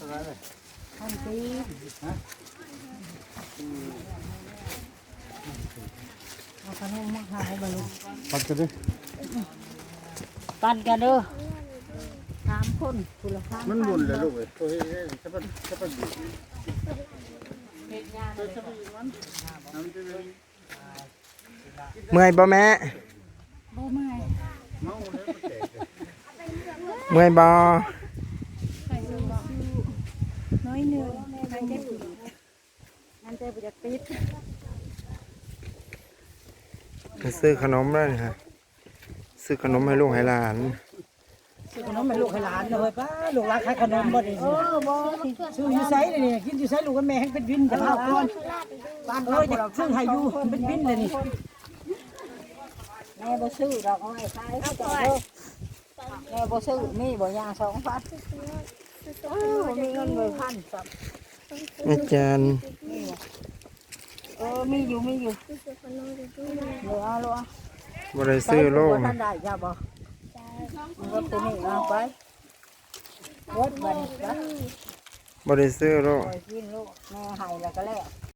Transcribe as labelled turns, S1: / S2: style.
S1: ท่านตีเอาขนมมาขายบลู
S2: ปัดกันดิ
S1: ปั่นกันเด้อ3 คนคุณละพัน
S2: มันบุญเลยลูกเอ้ยตัวเฮ้ยจะเป็นบุญ
S3: เมื่อยบ่แม่
S1: บ่เมื่อย
S2: เมาเลยมันแตกเลย
S3: เมื่อยบ่
S1: น้อยหนึ่งนั่นจะปิดนั่นจะปิดปิด
S3: ไปซื้อขนมแล้วนี่ค่ะซื้อขนมให้ลูกให้หลาน
S1: ซื้อขนมให้ลูกให้หลานเลยป้าลูกหลานขายขนมบ่ได้บ่ซื้ออยู่ไสนี่กินอยู่ไสลูกกับแม่ให้เป็นวินจะพาก่อนบ้านจะซื้อให้อยู่เป็นวินเลยนี่แม่บ่ซื้อดอกเอาไว้ขายเขาเด้อแม่บ่ซื้อมีบ่ยา2,000มีเงินเลย1,000ครับ
S3: อาจารย์
S1: มีอยู่เหลือเหรอ
S3: บ่ได้ซื้อโลก
S1: ท่านได้จ้าบ่รถตัวนี้เอาไปรถบัดนี้จ้ะ
S3: บ่ได้ซื้อโลก
S1: ปล่อยกินลูกแม่ให้แล้วก็แล้ว